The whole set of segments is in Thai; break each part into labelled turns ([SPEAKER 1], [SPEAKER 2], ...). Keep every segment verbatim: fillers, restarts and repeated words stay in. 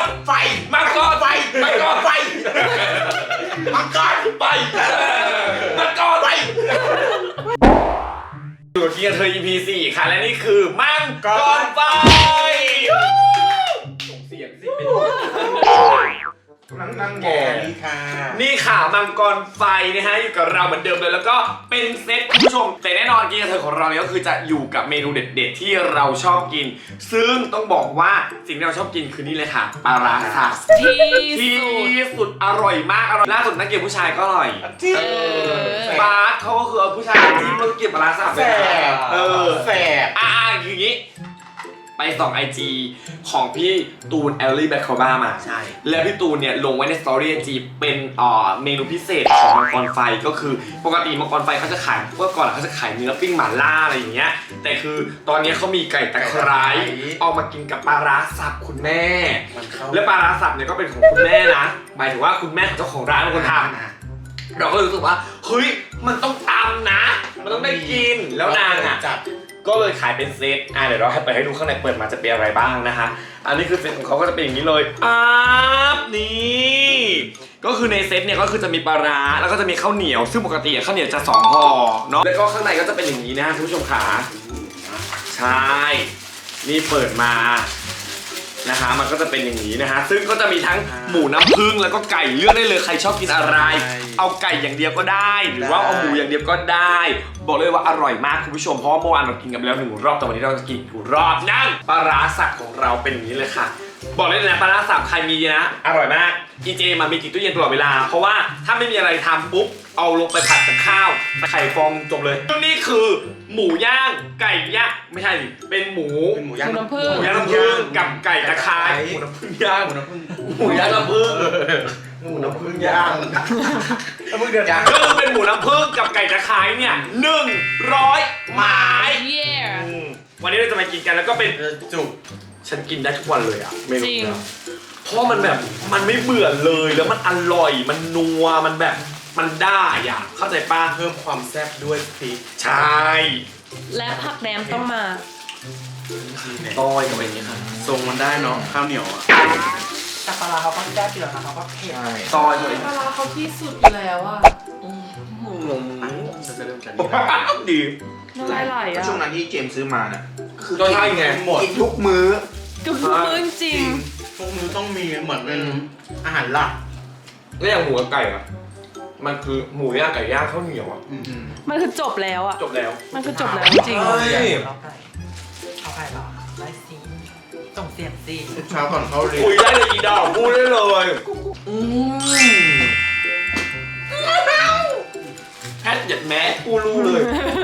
[SPEAKER 1] ไฟ
[SPEAKER 2] มังกร
[SPEAKER 1] ไฟ
[SPEAKER 2] มังกร
[SPEAKER 1] ไฟมังกร
[SPEAKER 2] ไปมังกรไปอยู่กับเกียร์เธอ อี พี สี่ค่ะและนี่คือมังกรไฟส่งเสียงสิเป็น
[SPEAKER 1] นั่งนั่งแกนี่ค่ะ
[SPEAKER 2] นี่ค่ะมังกรไฟนะฮะอยู่กับเราเหมือนเดิมเลยแล้วก็เป็นเซตคุณผู้ชมแต่แน่นอนเกียร์เธอของเราเนี่ยก็คือจะอยู่กับเมนูเด็ดๆที่เราชอบกินซึ่งต้องบอกว่าสิ่งที่เราชอบกินคือนี่เลยค่ะปลาร้าสับที่สุดอร่อยมากอร่อยล่าสุดนักเก็บผู้ชายก็อร่อย
[SPEAKER 1] ที่
[SPEAKER 2] บาสเขาก็คือเอาผู้ชายที่มันเก็บปลาร้าสับไปเออ
[SPEAKER 1] แสบ
[SPEAKER 2] อ่าอย่างนี้ไปส่องไอจีของพี่ตูนแอลลี่แบคคาบ้ามาใช่แล้วพี่ตูนเนี่ยลงไว้ในสตอรี่ไอจีเป็นอ่อเมนูพิเศษของมังกรไฟก็คือปกติมังกรไฟเขาจะขายเมื่อก่อนเขาจะขายเนื้อปิ้งหม่าล่าอะไรอย่างเงี้ยแต่คือตอนนี้เขามีไก่ตะไคร้เอามากินกับปลาร้าสับคุณแม่และปลาร้าสับเนี่ยก็เป็นของคุณแม่นะหมายถึงว่าคุณแม่ของเจ้าของร้านเป็นคนทำเราก็รู้สึกว่าเฮ้ยมันต้องตำนะมันต้องได้กินแล้วนางอ่ะก็เลยขายเป็นเซตอ่ะเดี๋ยวเราให้ไปให้ดูข้างในเปิดมาจะเป็นอะไรบ้างนะคะอันนี้คือเซตของเขาก็จะเป็นอย่างนี้เลยอ่านี่ก็คือในเซตเนี่ยก็คือจะมีปลาร้าแล้วก็จะมีข้าวเหนียวซึ่งปกติข้าวเหนียวจะสองห่อเนาะแล้วก็ข้างในก็จะเป็นอย่างนี้นะคุณผู้ชมขาใช่นี่เปิดมานะคะมันก็จะเป็นอย่างนี้นะฮะซึ่งก็จะมีทั้งหมูน้ำผึ้งแล้วก็ไก่เลือกได้เลยใครชอบกินอะไรเอาไก่อย่างเดียวก็ได้หรือว่าเอาหมูอย่างเดียวก็ได้บอกเลยว่าอร่อยมากคุณผู้ชมเพราะเมื่อวานเรากินกันไปแล้วหนึ่งรอบแต่วันนี้เราจะกินอีกรอบนั่นปลาร้าสับของเราเป็นอย่างนี้เลยค่ะบอกเลยนะปลาร้าสับใครมีนะอร่อยมากอีเจมามีติดตู้เย็นตลอดเวลาเพราะว่าถ้าไม่มีอะไรทำปุ๊บเอาลงไปผัดกับข้าวไข่ฟองจบเลยนี่คือหมูย่างไก่ย่างไม่ใช่เป็นหมู
[SPEAKER 1] เป็นหมูย่าง
[SPEAKER 3] น้ำผึ้ง
[SPEAKER 2] หมูย่างน้ำผึ้งกับไก่ตะไคร้หมูน้ำผึ้งย่าง
[SPEAKER 1] หมูน้ำผึ้ง
[SPEAKER 2] หมูย่างน้ำผึ้ง
[SPEAKER 1] หมูน้ำผึ้งย่างน้ำผึ้งเดือดย่าง
[SPEAKER 2] ก็คือเป็นหมูน้ำผึ้งกับไก่ตะไคร้เนี่ยหนึ่งร้อยไม้วันนี้เราจะมากินกันแล้วก็เป็น
[SPEAKER 1] จุก
[SPEAKER 2] ฉันกินได้ทุกวันเลยอ่ะเมนู
[SPEAKER 3] จริง
[SPEAKER 2] เพราะมันแบบมันไม่เบื่อเลยแล้วมันอร่อยมันนัวมันแบบมันได้อ่ะเข้าใจป้า
[SPEAKER 1] เพิ่มความแซ่บด้วยพริก
[SPEAKER 2] ใช่
[SPEAKER 3] และผักแหนมต้องมา
[SPEAKER 2] ต้อยกับอะไรอย่างเงี้ยครับ
[SPEAKER 1] ทรงมันได้เนาะข้าวเหนียวอ่ะ
[SPEAKER 4] แต่ปลาเขาก็แซ่บอยู่แล้วนะเขาก็เผ็ด
[SPEAKER 2] ต้อยเลย
[SPEAKER 3] ปลาเขาที่สุดอยู่แล้วอ่ะ
[SPEAKER 2] งง
[SPEAKER 1] จะเริ่มจาก
[SPEAKER 2] ดี
[SPEAKER 3] น้ำลายไหลอ่ะ
[SPEAKER 1] ช่วงนั้นที่เจมซื้อมาเนี่ย
[SPEAKER 2] คือก็ใช่ไง
[SPEAKER 1] หมดทุกมื้อ
[SPEAKER 3] ทุกมื้อจริง
[SPEAKER 1] ทุกมื้อต้องมีเหมือนเป็นอาหารหลัก
[SPEAKER 2] แล้วอย่างหมูกับไก่อะมันคือหมูย่างไก่ย่างข้าวเหนียวอะ
[SPEAKER 3] มันคือจบแล้วอะ
[SPEAKER 2] จบแล้ว
[SPEAKER 3] มันคือจบแล้วจริง
[SPEAKER 4] เอาไก่เอาไก่เหรอได้สิส่งเสียงสิ
[SPEAKER 1] เช้าก่อนเขาเรียน
[SPEAKER 2] คุยได้เลยอีดอกพูดได้เลยอืมแค่หยัดแม้กูรู้เลย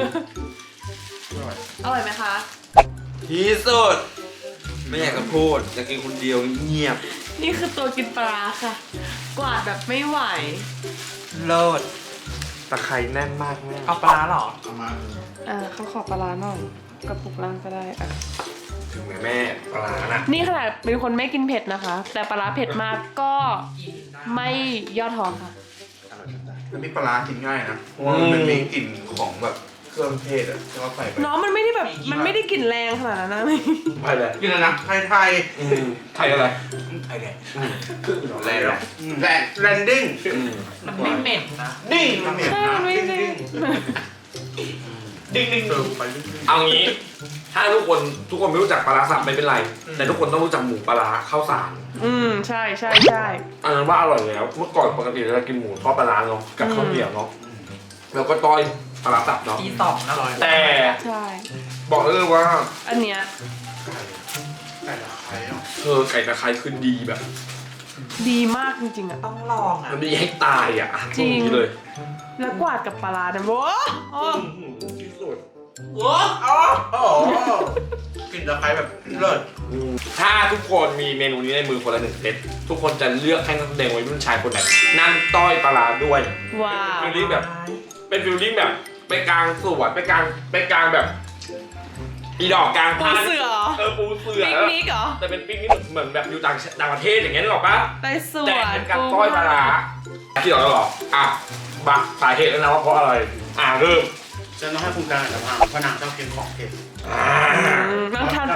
[SPEAKER 3] อร่อยไหมคะ
[SPEAKER 1] ที่สุดไม่อยากจะพูดอยากกินคนเดียวเงียบ
[SPEAKER 3] นี่คือตัวกินปลาค่ะกวาดแบบไม่ไหว
[SPEAKER 4] เลิศ
[SPEAKER 2] ตะไคร้แน่นมากแม่
[SPEAKER 4] เอาปลาหรอ
[SPEAKER 1] เอามา
[SPEAKER 3] อ่าเขาขอปลาหน่อยกระปุกล่างก็ได้อ่ะ
[SPEAKER 2] ถึงแม่แม่ปลานะ
[SPEAKER 3] นี่ขนาดเป็นคนไม่กินเผ็ดนะคะแต่ปลาเผ็ดมากก็ไม่ย่อท้อค่ะ
[SPEAKER 1] แล้วมีปลากินง่ายนะเพราะว่ามันมีกลิ่นของแบบเครื่องเทศอะที่เขาใส่ไป
[SPEAKER 3] น้องมันไม่ได้แบบมันไม่ได้กลิ่นแรงขนาดนั้นนะ
[SPEAKER 2] ไปเลย
[SPEAKER 1] กินอะไรนะไทยไทย
[SPEAKER 2] ไทยอะไร
[SPEAKER 1] ไทยแดงแรงแรงแรงดิ้ง
[SPEAKER 4] มันไม่เหม็นนะ
[SPEAKER 1] ดิ้งมันเหม็นนะดิ้งดิ้ง
[SPEAKER 2] ดิ้งดิ้งเอางี้ถ้าทุกคนทุกคนไม่รู้จักปลาสับไม่เป็นไรแต่ทุกคนต้องรู้จักหมูปลาข้าวสาร
[SPEAKER 3] อืมใช่ใช่ใช่
[SPEAKER 2] อันนั้นว่าอร่อยแล้วเมื่อก่อนปกติเรากินหมูทอดปลาเนาะกับข้าวเหนียวเนาะแล้วก็ต้อยปลาสับเนาะ
[SPEAKER 4] ที่สองอร่อย
[SPEAKER 2] แต่
[SPEAKER 3] ใช่
[SPEAKER 2] บอกเลยว่า
[SPEAKER 3] อันเนี้ย
[SPEAKER 1] ไก่ตะไคร้
[SPEAKER 2] เธอไก่ตะไคร้คือดีแบบ
[SPEAKER 3] ดีมากจริงๆอ่ะ
[SPEAKER 4] ต้องลองอ่ะ
[SPEAKER 2] มันดีให้ตายอ่ะ
[SPEAKER 3] จริง
[SPEAKER 2] เลย
[SPEAKER 3] แล้วกวาดกับปลาเนี่ยโว้
[SPEAKER 2] ที่สุด
[SPEAKER 1] โอ้โอ้โอ้กินตะไคร้แบบเลิศ
[SPEAKER 2] ถ้าทุกคนมีเมนูนี้ในมือคนละหนึ่งเซตทุกคนจะเลือกให้นักแสดงวัยรุ่นชายคนไหนนั่งต้อยปลาด้วย
[SPEAKER 3] ว้าว
[SPEAKER 2] ฟิลลิ่งแบบเป็นฟิลลิ่งแบบไปกลางสวนไปกลางไปกลางแบบอีดอกกลาง
[SPEAKER 3] ปูเสือ
[SPEAKER 2] เออปูเสือ
[SPEAKER 3] ปิกนิกเหรอ
[SPEAKER 2] แต่เป็นปิกนิกเหมือนแบบอยู่ต่างต่างประเทศอย่างเงี้ยนึกออกปะ
[SPEAKER 3] ไปสวน
[SPEAKER 2] แต่เป็นการต้อยปลาที่เราหรออ่ะบักสาเหตุแล้วนะว่าเพราะอะไรอ่ะเริ่ม
[SPEAKER 1] ฉันต้องให้คุณการอัตภาพเพราะนางชอบกินของเผ็ด
[SPEAKER 3] นางทานปลาหรือเปล่า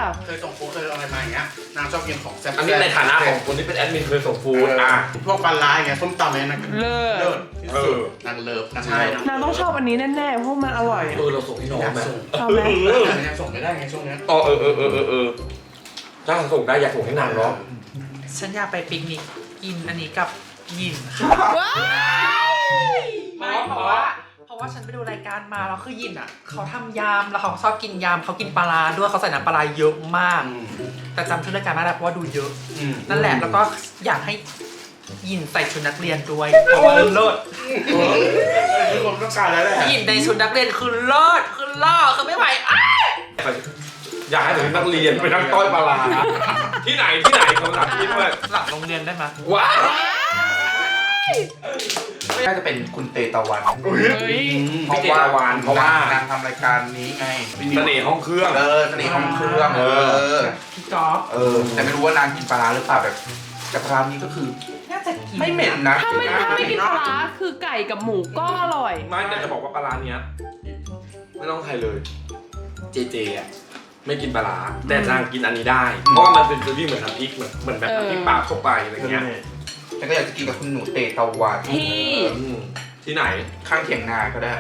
[SPEAKER 1] เคยส่งฟู้ดเคยอะไรมาอย่างเงี้ยนางชอบกินของแซ่บๆ
[SPEAKER 2] อันนี้ในฐานะของคนที่เป็นแอดมินเคยส่งฟู้ด
[SPEAKER 1] เออ
[SPEAKER 2] อ่ะ
[SPEAKER 1] พวกปลาร้าอย่างเงี้ยส้มตำเนี่ยนาง
[SPEAKER 3] เลิศ
[SPEAKER 1] เลิศที่สุด
[SPEAKER 2] เออ
[SPEAKER 1] นางเลิฟนาง
[SPEAKER 2] ใช่
[SPEAKER 1] ใช่
[SPEAKER 3] นางต้องชอบอันนี้แน่ๆเพราะมันอร่อยอะ
[SPEAKER 2] เออเราส่งให้น้อง
[SPEAKER 1] อยาก
[SPEAKER 2] ไหม
[SPEAKER 1] ส่ง
[SPEAKER 3] ชอบไหม
[SPEAKER 1] แต่ยังส่งไม่ได้ไงช่วงเนี้ย
[SPEAKER 2] อ๋อเออเออเออเออเออถ้าส่งได้อยากส่งให้นางเนาะ
[SPEAKER 4] ฉันอยากไปปิกนิกกินอันนี้กับหยินค่ะ
[SPEAKER 3] ว้าย
[SPEAKER 4] ไม่เพราะว่าเพราะว่าฉันไปดูรายการมาแล้วคือหยินอ่ะเขาทำยำแล้วเขาชอบกินยำเขากินปลาร้าด้วยเขาใส่น้ำปลาร้าเยอะมาก
[SPEAKER 1] อืม
[SPEAKER 4] แต่จำชื่อรายการไม่ได้เพราะว่าดูเยอะ
[SPEAKER 1] อืม
[SPEAKER 4] นั่นแหละแล้วก็อยากให้หยินใส่ชุดนักเรียนด้วยเพราะว่าเลิศ
[SPEAKER 1] เออทุกคนต้องการแล้วแหละ
[SPEAKER 4] หยินในชุดนักเรียนคือเลิศคือล่อคือไม่ไหวอ้าย
[SPEAKER 2] อยากให้ถึงนักเรียนไปนั่งต้อยปลาร้าที่ไหนที่ไหนคำถามที่ด้วย
[SPEAKER 4] หลังโรงเรียนได้ไหม
[SPEAKER 2] ว้าว
[SPEAKER 1] น่าจะเป็นคุณเตตะวัน
[SPEAKER 3] เฮ้ย
[SPEAKER 1] เพราะว่านเพราะว่านางทำรายการนี้ไง
[SPEAKER 2] เสน่ห์ห้องเครื่อง
[SPEAKER 1] เออเสน่ห์ห้องเครื่องเออ
[SPEAKER 4] พี่ก๊อฟ
[SPEAKER 1] เออ แต่ไม่รู้ว่านางกินปลาร้าหรือเปล่าแบบแต่ปลาร้านี้ก็คือ
[SPEAKER 4] น่าจะกิน
[SPEAKER 1] ไม่เหม็นนะ
[SPEAKER 3] ถ้าไม่ถ้าไม่กินปลาร้าคือไก่กับหมูก็อร่อย
[SPEAKER 2] ไม่แต่จะบอกว่าปลาร้าเนี้ยไม่ต้องใครเลย เจเจอ่ะไม่กินปลาร้าแต่นางกินอันนี้ได้ เพราะว่ามันเป็นฟีลลิ่งเหมือนน้ำพริกเหมือนเหมือนแบบน้ำพริกปลาทั่วไปอะไรเงี้ย
[SPEAKER 1] แต่ก็อยากจะกินกับคุณหนูเตตะวัน
[SPEAKER 3] ที่
[SPEAKER 2] อืมที่ไหน
[SPEAKER 1] ข้างเถียงนาก็ได้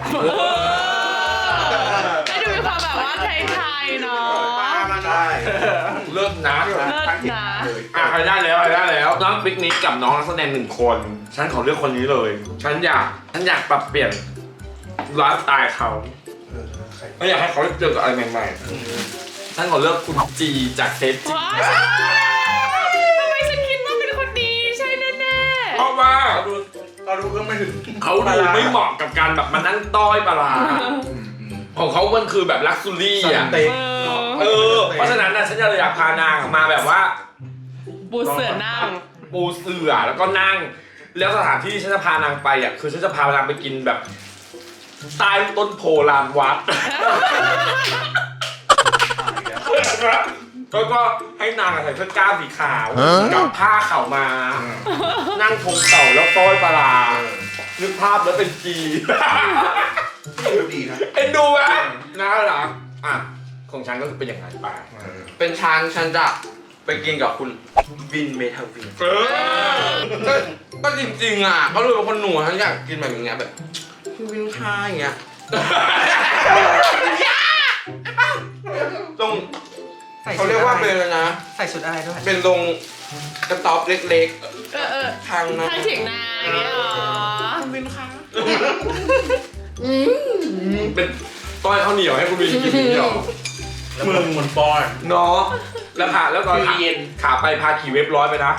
[SPEAKER 3] ให้ดูมีความแบบว่าไทยๆเนาะ
[SPEAKER 1] ได้
[SPEAKER 2] เริ่มนะ
[SPEAKER 1] ข้างเถียงนาเลย
[SPEAKER 2] อ่ะใครได้แล้วใครได้แล้วน้องปิกนิกกับน้องนักแสดงหนึ่งคน ฉันขอเลือกคนนี้เลย ฉันอยากฉันอยากปรับเปลี่ยนไลฟ์สไตล์เขาไม่อยากให้เขาได้เจอกับอะไรใหม่ๆฉันขอเลือกคุณจีจากเซตจี
[SPEAKER 3] ว้ายทำไมฉันคิดว่าเป็นคนดีใช่แน่
[SPEAKER 2] เพราะว่า
[SPEAKER 1] เราดูก็ไม่ถึง
[SPEAKER 2] เขาดูไม่เหมาะกับการแบบมานั่งต้อยปลาร้าของเขามันคือแบบลักซ์ซูรี่อ่ะ
[SPEAKER 1] เต็ก
[SPEAKER 3] ๆเอ
[SPEAKER 2] เอ
[SPEAKER 3] อ
[SPEAKER 2] อ เพราะฉะนั้นนะฉันจะอยากพานางมาแบบว่า
[SPEAKER 3] บูเสือนั่ง
[SPEAKER 2] ปูเสื่อแล้วก็นั่ง แล้วสถานที่ที่ฉันจะพานางไปอ่ะคือฉันจะพานางไปกินแบบใต้ต้นโพลานวัด แล้วก็ให้นางใส่เสื้อกล้ามสีขาวกับผ้าเข่าวมา นั่งทงเข่าแล้วต้อยปลาร้านึกภาพแล้วเป็นจี
[SPEAKER 1] ดีนะ
[SPEAKER 2] เอ็นดูไหมน่ารักอ่ะของฉันก็คือเป็นอย่างไรไป
[SPEAKER 5] เป็นช้างฉันจะไปกินกับคุณวินเมทาวิน
[SPEAKER 2] เออ
[SPEAKER 5] ก็ก็จริงๆอ่ะเขาดูเป็นคนหนูฉันอยากกินแบบอย่างเงี้ยแบบพี่วินค่าอย่างเงี้ยตรง
[SPEAKER 4] ใส่
[SPEAKER 5] เขา
[SPEAKER 4] ชุด
[SPEAKER 5] เรียกว่า
[SPEAKER 4] อะไร
[SPEAKER 5] เป็นอะไรนะ
[SPEAKER 4] ใส่ชุดอะไรด้วย
[SPEAKER 5] เป็นตรงกระต๊อบเล็ก
[SPEAKER 3] เออเออ
[SPEAKER 5] ๆทางนะ
[SPEAKER 3] ทางเถียงนาอย่างเงี้ยเหรอ
[SPEAKER 5] วินค่า
[SPEAKER 2] เป็นต้อยข้าวเหนียวให้คุณวีกินอย่างนี้หรอ
[SPEAKER 1] แล้วมึงเหมือนปอน
[SPEAKER 2] เนาะแล้วผ่าแล้วตอนขาขาไปพาขี่เว็บร้อยไปนะ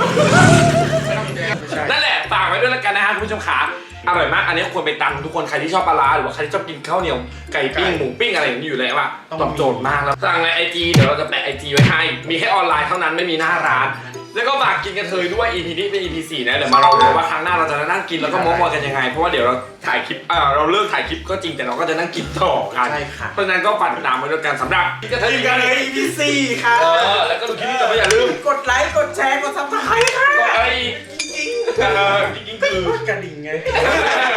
[SPEAKER 2] นั่นแหละฝากไว้ด้วยแล้วกันนะฮะคุณผู้ชมขาอร่อยมาก อันนี้ควรไปตำทุกคนใครที่ชอบปลาร้าหรือว่าใครที่ชอบกินข้าวเหนียวไก่ปิ้งหมูปิ้งอะไรอย่างนี้อยู่แล้วอะตอบโจทย์มากแล้วสั่งในไอจีเดี๋ยวเราจะแปะไอจีไว้ให้มีแค่ออนไลน์เท่านั้นไม่มีหน้าร้าน แล้วก็ฝากกินกันเทยด้วย อี พี นี้เป็น อี พี สี่นะเดี๋ยวมาเราดูว่าครั้งหน้าเราจะนั่งกินแล้วก็โม้กันยังไงเพราะว่าเดี๋ยวเราถ่ายคลิปเออเราเลิกถ่ายคลิปก็จริงแต่เราก็จะนั่งกินต่อกัน
[SPEAKER 1] ใช่ค่ะ
[SPEAKER 2] เพราะฉะนั้นก็ฝากติดตามไว้ด้วยกันสำหรับกินกันเทยกันเลย
[SPEAKER 1] อี พี สี่ค่ะ
[SPEAKER 2] เออแล้วก็ดูคลิปนี้จะไม่อย่าลืม
[SPEAKER 1] กดไลค์ กดแชร์ กดซับสไครต์ค่ะ
[SPEAKER 2] ก็ไอ้จริงๆเออจริงๆคือ
[SPEAKER 1] กระดิ่งไง